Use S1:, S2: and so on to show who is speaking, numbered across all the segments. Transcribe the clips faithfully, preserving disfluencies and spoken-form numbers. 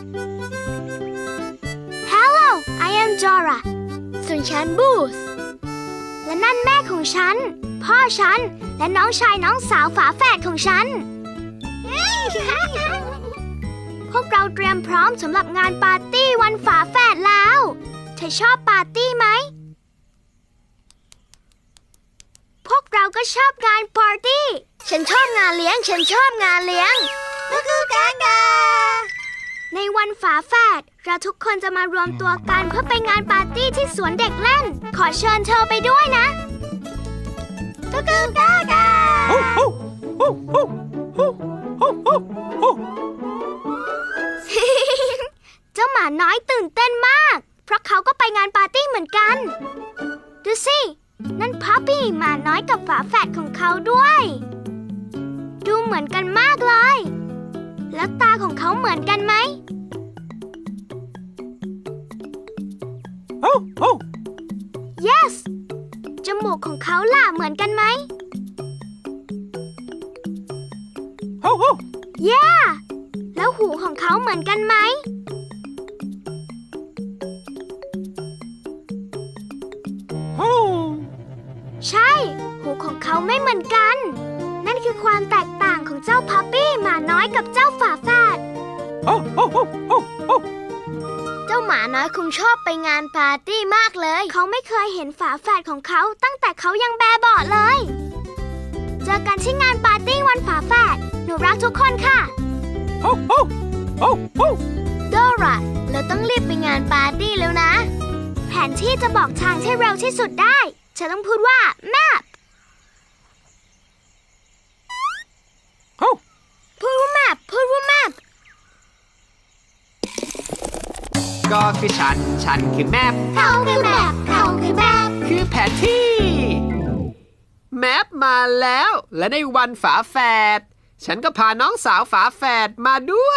S1: Hello I am Dora ส่วนฉันบูธและนั่นแม่ของฉันพ่อฉันและน้องชายน้องสาวฝาแฝดของฉัน พวกเราเตรียมพร้อมสำหรับงานปาร์ตี้วันฝาแฝดแล้วเธอชอบปาร์ตี้ไหมพวกเราก็ชอบงานปาร์ตี้ฉันชอบงานเลี้ยงฉันชอบงานเลี้ยงก็คือกากาในวันฝาแฝดเราทุกคนจะมารวมตัวกันเพื่อไปงานปาร์ตี้ที่สวนเด็กเล่นขอเชิญเธอไปด้วยนะก็คือกากาเจ้าหมาน้อยตื่นเต้นมากเพราะเขาก็ไปงานปาร์ตี้เหมือนกันดูสินั่นพัปปี้หมาน้อยกับฝาแฝดของเขาด้วยดูเหมือนกันมากเลยแล้วตาของเขาเหมือนกันไหม
S2: oh, oh.
S1: Yes จมูกของเขาล่ะเหมือนกันไหม
S2: oh, oh.
S1: Yeah แล้วหูของเขาเหมือนกันไหม
S2: oh.
S1: ใช่หูของเขาไม่เหมือนกันนั่นคือความแตกต่างของเจ้าพัปปี้หมาน้อยกับเจ้าฝาแฝด
S2: oh, oh, oh, oh, oh.
S1: เจ้าหมาน้อยคงชอบไปงานปาร์ตี้มากเลยเขาไม่เคยเห็นฝาแฝดของเขาตั้งแต่เขายังแบเบาะเลยเจอกันที่งานปาร์ตี้วันฝาแฝดหนูรักทุกคนค่ะ
S2: oh, oh, oh, oh.
S1: โดราเราต้องรีบไปงานปาร์ตี้แล้วนะแผนที่จะบอกทางที่เร็วที่สุดได้ฉันต้องพูดว่า map
S2: oh.
S1: พูดว่า map พูดว่า map
S3: ก็คือฉัน ฉันคือแมป
S1: เขาคือ map เขาคือ map
S3: คือแผนที่ แมปมาแล้ว และในวันฝาแฝดฉันก็พาน้องสาวฝาแฝดมาด้วย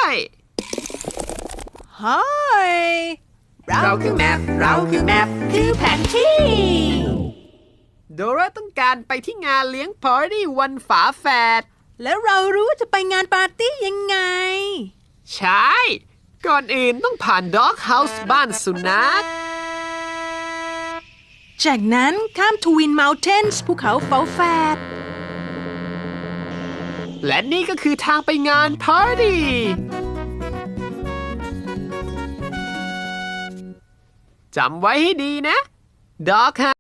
S2: Hi
S3: เราคือแมป เราคือแมป คือแผนที่ โดราต้องการไปที่งานเลี้ยงปาร์ตี้วันฝาแฝด
S2: แล้วเรารู้ว่าจะไปงานปาร์ตี้ยังไง
S3: ใช่ ก่อนอื่นต้องผ่านด็อกเฮาส์บ้านสุนัข
S2: จากนั้นข้ามทวินเมลเทนส์ภูเขาฝาแฝด
S3: และนี่ก็คือทางไปงานปาร์ตี้จำไว้ให้ดีนะด็อก